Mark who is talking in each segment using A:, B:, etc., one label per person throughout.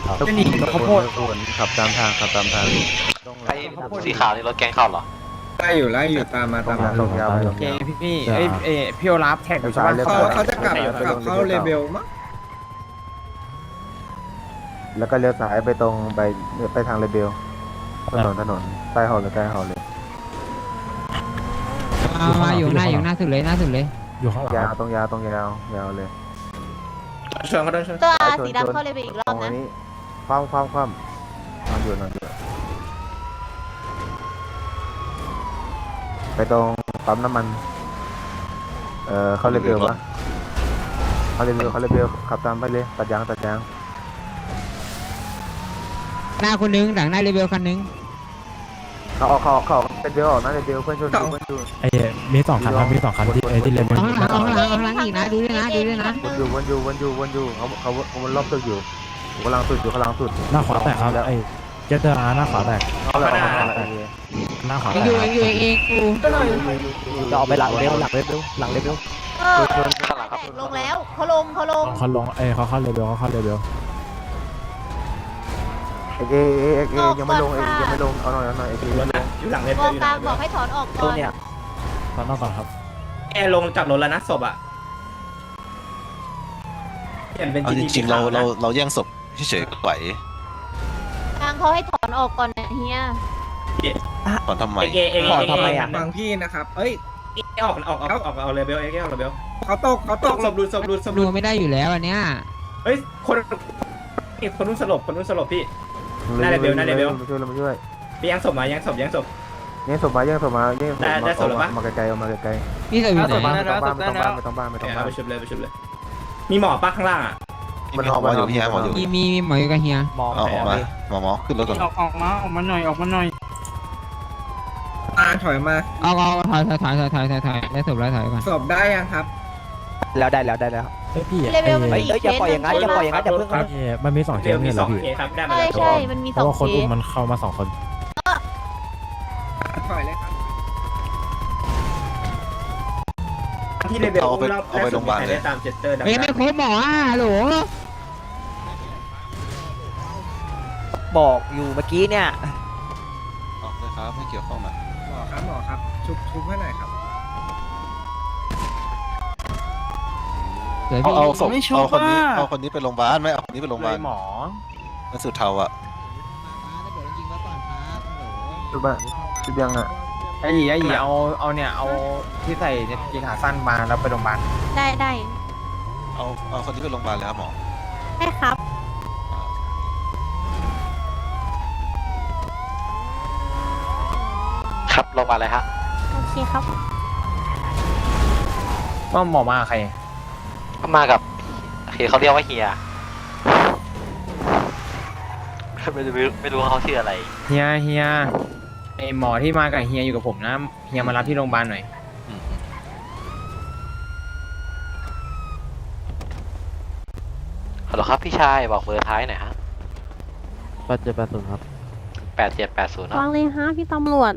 A: จะหนีข้าวโพด
B: ขับตามทางขับตามทาง
C: ไอ้สีขาวนี่รถแกงเข้าเหรอ
A: ไล่อยู่ตามมา
B: ตรงยาว
A: โอเคพี่พี่โอลาฟแท็กอยู่ใช่ปะเขาจะกลับเข้าเลเวลมั้ง
B: แล้วก็เลี้ยวซ้ายไปตรงไปทางเรเบลถนนใต้หอเลยใต้หอเลย
D: มาอยู่หน้าสุดเลย
E: อยู่ข้างหลัง
B: ยาวตรงยาวเลย
A: ชวนเขาด้วยชวน
F: ตัวสีดำเข้าเลยไปอีกรอบนะ
B: นี้คว่ำนอนอยู่ไปตรงปั๊มน้ำมันเข้าเรเบลวะเข้าเรเบลขับตามไปเลยตัดยาง
D: หน้าคนนึงหลังหน้าเรเบลคันนึง
B: เขาเป็นเบลออกนะเรเบลเพื่อนชน
E: ไอ้มี2 คันครับมี2 คันที่ที่เลน
D: เอาข้างหลังอีกนะดูด้วยนะ
B: วนอยู่เขาวนรอบตึกอยู่กำลังสุด
E: หน้าขวาแตกครับไอ้เจตนาหน้าขวาแตก
B: เขาแล้ว
E: หน้าขวา
D: เอ
E: แต
D: งอยู่
B: จะออกไปหลังเรเบล
F: เออลงแล้วเขาลง
E: เขาลงเขาเข้าเลเวล
B: เอยังไม่ลงเอาหน่อย
A: อยู่หลังเล
F: ม
A: เว
F: อ
A: ล
F: งกลางบอกให้ถอนออกก่อน
E: ตอนนอกก่อนครับ
A: แอร์ลงจากรถแล้วนะศพอ่ะเปลี่ยนเป็น
C: เอาจริงๆเราแย่งศพเฉยๆก็ไหว
F: กลางเขาให้ถอนออกก่อนนะเฮีย
C: ก่อนทำไม
A: ถอนทำไมอ่ะฟังพี่นะครับเอ้ยออกเอาเลเวลออกเลเวลเขาตกศพหลุด
D: ดูไม่ได้อยู่แล้วอันเนี้ย
A: เฮ้ยคนนู้นสลบพี่
B: มาช่วย
A: พี่ยังศพมายังศพ
B: แย่งศพมามาไกลๆมาไกล
D: นี่จะอยู่ไหน
B: ไม่ต้องบ้าน
A: ไปชุบเลยมีหมอป้าข้างล่างอ่ะ
B: มัน
C: หมออยู่เฮียหมออยู่
D: มีหมออยู่กับเฮีย
C: เอาออกมาหมอขึ้นรถก่อน
A: ออกมาหน่อยถอยมา
D: เอาถอยได้ศพแล้วถอยก่อน
A: ศพได้ยังครับ
E: แล้วพี่
F: เลเวลมันมีเคสอย่าปล่อยอย่างนั้นอย่าเพิ่ง
E: มันมี2 เคสเนี่ยเหรอพี่
A: ครับได้มา
F: ใช่มันมี
E: เพ
F: สอ
E: ราะ
F: ง
E: ว่าคน
F: เค
E: อุ้
F: ส
E: มมันเข้ามา2 คน
A: ถอยเลยครับที่เลเวลได้ตามเจสเตอร์
D: เฮ้ยไม่ครบหมอโหล
G: บอกอยู่เมื่อกี้เนี่ย
C: ออกเลยครับไม่เกี่ยวข้องมา
A: หมอครับชุบให้หน่อยครับ
C: เอาศพเอาคนนี้ไปโรงพยาบาลไม่เอาคนนี้ไปโรงพยาบาลหมอมันสุดเทาอ่ะ
B: ชุดยังอ่ะ
A: ไอ้หยีเอาเนี่ยเอาที่ใส่กีขาสั้นมาแล้วไปโรงพยาบาล
F: ได้
C: เอาคนนี้ไปโรงพยาบาลเลยครับหมอ
F: ได้ครับ
C: ครับโรงพยาบาลอะไรฮะ
F: โอเคครับ
A: ว่าหมอมาใคร
C: ก็มากับเขาเรียกว่าเฮียไม่รู้เขาชื่ออะไร
A: เฮียไอหมอที่มากับเฮียอยู่กับผมนะเฮียมารับที่โรงพยาบาลหน่อย
C: ฮัลโหลครับพี่ชายบอกเบอร์ท้ายหน่อยฮะ
B: 8780ครับ
C: 8780เนอะ
F: วางเลยฮะพี่ตำรวจ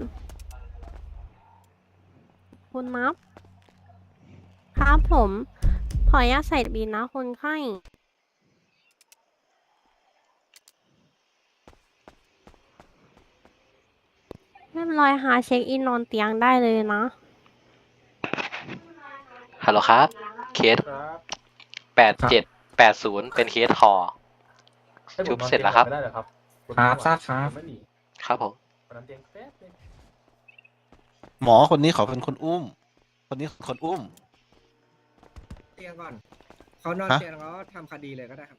F: คุณนับครับผมขออนุญาตใส่บินนะคนไข้เรียบร้อยหาเช็คอินนอนเตียงได้เลยนะ
C: ฮัลโหลครับเคส8780เป็นเคสคอชุบเสร็จแล้วครับ
A: ครับทราบครับ
C: ครับผมหมอคนนี้เขาเป็นคนอุ้ม คนนี้คนอุ้ม
A: เตียงก่อนเขานอนเตียงแล้วทำคดีเลยก็ได้ครับ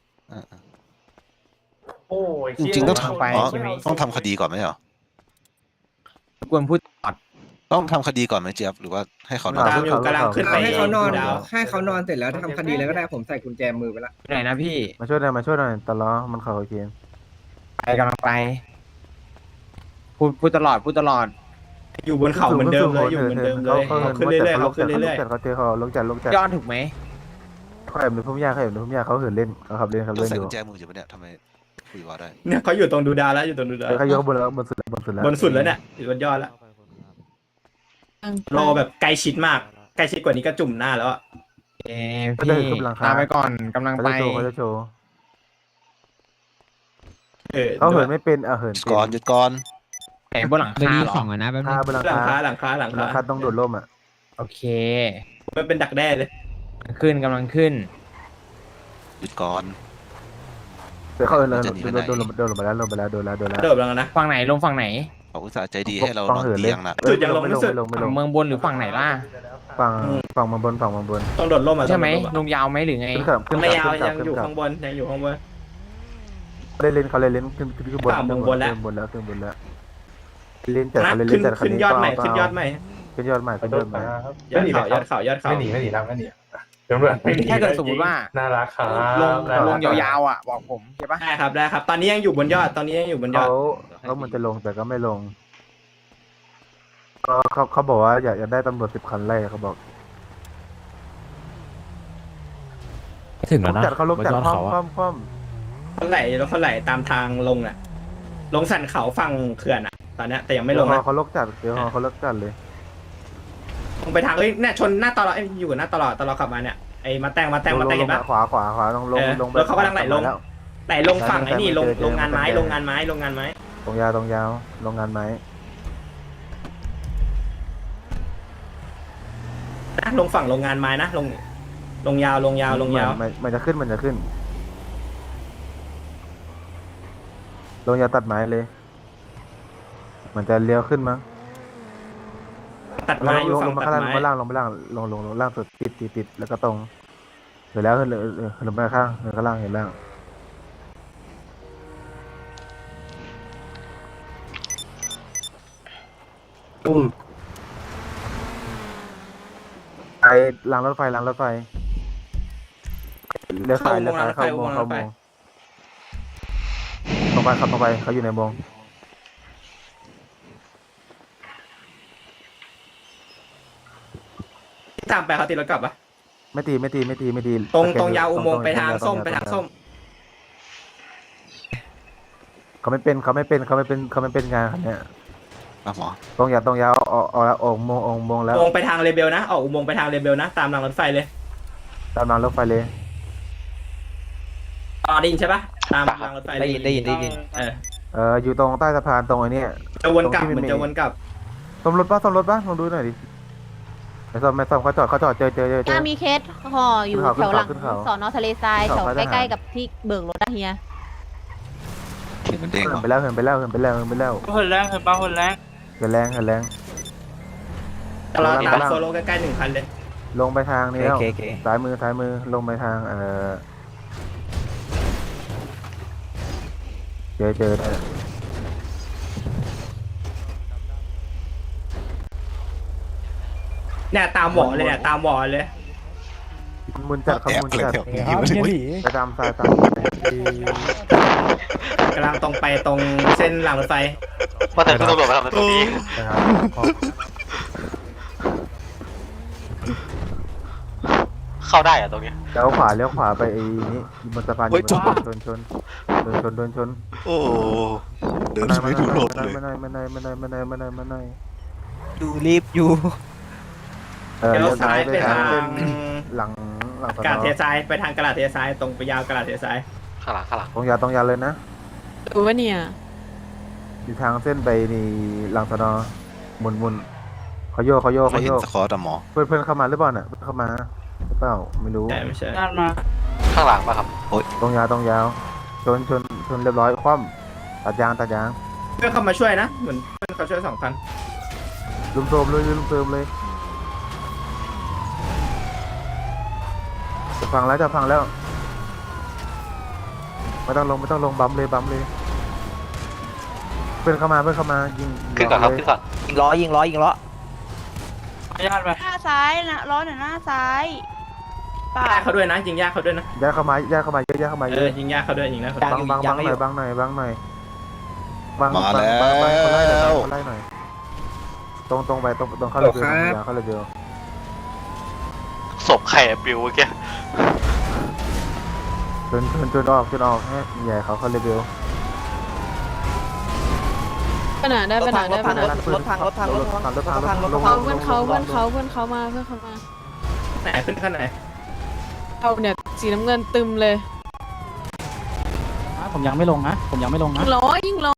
A: โอ้ย
C: จริงๆต้อง
A: ไป
C: ทำอ๋อ
A: ใช่ไหม
C: ต้องทำคดีก่อนไหมเหรอ
A: ควรพูดตอด
C: ต้องทำคดีก่อนไหมเจี๊ยบหรือว่าให้เขานอน
A: ตามอยู่กำลังขึ้นไป
H: ให้เขานอน
A: ดาว
H: ให้เขานอนเสร็จแล้วทำคดีแล้วก็ได้ผมใส่กุญแจมือไปละ
A: ไหนนะพี่
B: มาช่วยหน่อยตลอดมันเขาโอเค
A: ไปกำลังไป พูดตลอดอยู่บนเขาเหมือนเดิมเลยอยู่เหมือนเดิมเลยเขาขึ้นเรื่อยๆเขาขึ้นเรื่อย
B: เขาเจอเขาลงจัด
A: ๆย้อนถูกไหม
B: เขาแอบดูพุ่มหญ้าเขาเหินเล่นเขาขับเล่น
C: ต้องใส่
B: อยู่
C: กุญแจมืออยู่ปะเนี่ยทำไมคุยวอลได้
A: เนี่ยเขาอยู่ตรงดูดาวแล้วอยู่ตรงดูดาว
B: เขายกบนแล้วบนสุดแล้ว
A: บนสุดแล้วเนี่ยอยู่บนยอดแล้วรอแบบใกล้ชิดมากใกล้ชิดกว่านี้ก็จุ่มหน้าแล้วอ่ะพี่ตามไปก่อนกำลังไป
B: เขาจะโชว์เขาเหินไม่เป็นเหิน
C: หยุด
B: เป็น
C: ก่อนหยุดก่อน
A: ไหนบนหลัง
D: ตัว
A: คา
D: นี้
A: เหรอ
D: ของอ่ะนะแป๊บนึ
B: คาง บนหลัง
A: หลัง
B: คา
A: คาหลังคาหลัง
B: หลัง
A: คา
B: คาต้องโดดร่มอ่ะ
A: โอเคมันเป็นดักแด้เลยกำลังขึ้น
C: หยุดก่อน
B: เดี๋ยวเขาโดน
C: จะหนีไปไหน
B: โดนลงไปแล้วโดนไปแล้ว
A: โดดแล้วนะฝั่งไหนลงฝั่งไหน
C: เขาอุตส่าห์ใจดีให้เรานอน
B: เหินเล
C: เตี
B: ย
C: ยงน่ะ
A: จุดยังลงไม่สุด
B: ไม่ล
A: ฝั่
B: ง
A: งเมืองบนหรือฝั่งไหนล่ะ
B: ฝั่งเมืองบนฝั่งเมืองบน
A: ต้องโดดร่มใช่ไหมลงยาวไหมหรือไง
B: ขึ้นกับขึ้น
A: ไม่
B: กับ
A: ยาว
B: ขึ้นกับ
A: ยังอยู่
B: ขึ้นกับ
A: ข้างบนยังอยู่ข้างบน
B: เขาเล่นเขาเล่นขึ้นบน
A: ฝั่งเมืองบนแล้ว
B: ขึ้นบนแล้วขึ้นบนแล้วเล่นจัด
A: นะ
B: เขาเล่น
A: ขึ้น
B: จัดคัน
A: ขึ้น
B: นี้
A: ยอดใหม่
B: ก็
A: ขึ้นยอดใหม่
B: ขึ้นยอดใหม่ขึ้นยอดใหม่
A: ยอดเขา
E: ไม่หนีไม่หนีแล้วไม่หนีตำรวจไม่หนี
A: ถ้าเกิดสมมติว่า
E: น่ารักครับ
A: ลงยาวๆอ่ะบอกผมใช่ปะได้ครับได้ครับ ตอนนี้ยังอยู่บนยอดตอนนี้ยังอยู่บนยอ
B: เขา
A: ด
B: เหมือนจะลงแต่ก็ไม่ลงเขาบอกว่าอยากได้ตำรวจ10 คันไล่เขาบอก
E: ถึงแล้วนะ
B: จัดเขาลง
E: บน
B: จัด
E: ยอด
B: คว่
E: เขาอะ
B: ำคว่
A: เขาไหลตามทางลงอ่ะ ลงสันเขาฝั่งเขื่อนอ่ะ ตอนเนี้ยแต่ยัง
B: ำ
A: ไม่ลงนะ
B: เขาลกจัดเดี๋ยวเขาลกจัดเลย
A: ลงไปทางเนี่ยชนหน้าตลอดอยู่หน้าตลอดขับมาเนี่ยไอ้มาแต่งเห็นปะ
B: ขวาต้องลงลง
A: แล้วเขากำลังไหลลง
B: แล้ว
A: ไหลลงฝั่งไอ้นี่ลงงานไม้
B: ตรงยาวตรงยาวโรงงานไม้
A: นะลงฝั่งโรงงานไม้นะลงยาว
B: มันจะขึ้นลงยาวตัดไม้เลย มันจะเลี้ยวขึ้นมั้ง
A: ตัดไม้อยู่
B: ล
A: ฝั่
B: ง
A: ง
B: มา
A: ตัด
B: ข้างล่าง
A: ไม้
B: ลงมาล่างลงล่างสุดติดแล้วก็ตรงเสร็จแล้วขึ้นลงไปข้างข้างล่างเห็นล่างไปรางรถไฟเลี้ยวซ้ายเข้าโมงตรงไปขับตรงไปเขาอยู่ในโมง
A: ตามไปเขาติดรถกลับปะ
B: ไม่ตี
A: ตรงยาวอุโมงค์ไปทางส้ม
B: เขาไม่เป็นงานคันเนี้ย
C: มาหมอ
B: ตรงยาวออกแล้วออกโมงแล้ว
A: อุโมงค์ไปทางเรเบลนะออกอุโมงค์ไปทางเรเบลนะตามรางรถไฟเลย
B: ตามรางรถไฟเลย
A: ได้ยินใช่ปะตามรางรถไฟได้ยิน
B: อยู่ตรงใต้สะพานตรงไอ้นี่
A: จะวนกลับเหมือนจะวนกลับ
B: ซ่อมรถปะลองดูหน่อยดิไม่ซ่อมเขาจอดเจอ
G: มีเคสห่ออยู่แถวหลัง
B: ขึ้นเขา
G: สอนอทะเลทราย
B: ขึ้น
G: แถ
B: เขา
G: วใกล้ๆกับที่เบิกรถนะเฮีย
C: มันเด้ง
B: เหิ
C: เหร
B: น
C: อ
B: ไปแล้ว
A: คนแรงตลอดตามโซโล่ใกล้ๆ1 คันเลย
B: ลงไปทางนี้แล้วซ้ายมือลงไปทางเจอ
A: เนี่ยตามหวอเลย
B: มุนจัดเขามุนจัด ไปตามซ้าย
A: กำลังตรงไปตรงเส้นรางรถไฟ
I: ว่าแต่คุณตำรวจมาทำอะไรตรงนี้ เข้าได้อะตรงนี้
B: เลี้ยวขวาไปไอ้นี่บนสะพานชน
C: โอ้เดินไม่ดูรถเลย
B: ไม่
D: ดูรีบอยู่
A: เดี๋ยวซ้ายไปทาง
B: หลัง
A: กระดาษเททรายไปทางกระดาษเททรายตรงไปยาวกระดาษเททราย
I: ข้างหลัง
B: ตรงยาวเลยนะ
G: ดูว่าเนี่ย
B: อยู่ทางเส้นไปนี่หลังสนอมุนเขาโยก
C: ไม่เห็นสกอร์แต่หมอ
B: เพื่อนเข้ามาหรือเปล่าน่ะเข้ามาหรือเปล่าไม่รู้
A: ไม่ใช่
I: ข้างหลังป่ะครับ
B: ตรงยาวชนเรียบร้อยคว่ำตัดยาง
A: เพื่อนเข้ามาช่วยนะเหมือนเพื่อนเขาช่วย2 คัน
B: ลุมโทมเลยจะพังแล้วไม่ต้องลงบัมเลยเพื่อนเข้ามายิง
I: ขึ้นก่อนครับ ขึ้นก่อน
D: ยิงล้อ
G: หน้าซ้ายนะล้อหน่อยหน้าซ้ายป่า
A: ญาติเขาด้วยนะยิงญาติเขาด้วยนะ
B: ย่าเข้ามาเยอะ
A: ยิงญาติเขาด้วยยิงนะ
B: บังหน่อยบังหน่อย
C: มาแล้ว
B: เขาไล่หน่อยตรงไปตรงเข้าเลยเดียว
I: ศพไข่ปิวเมื่อกี้
B: จนออกให้ใหญ่เขาเลยเดียว
G: ขนาดได้ขนาดได้
D: รถพัง
G: เพื่อนเขามา
A: ไหนขึ้นขั้นไหน
G: เอาเนี่ยสีน้ำเงินตึมเลย
E: ผมยังไม่ลงนะผมยังไม่ลงนะ
F: ยิงล้อยิงล้อ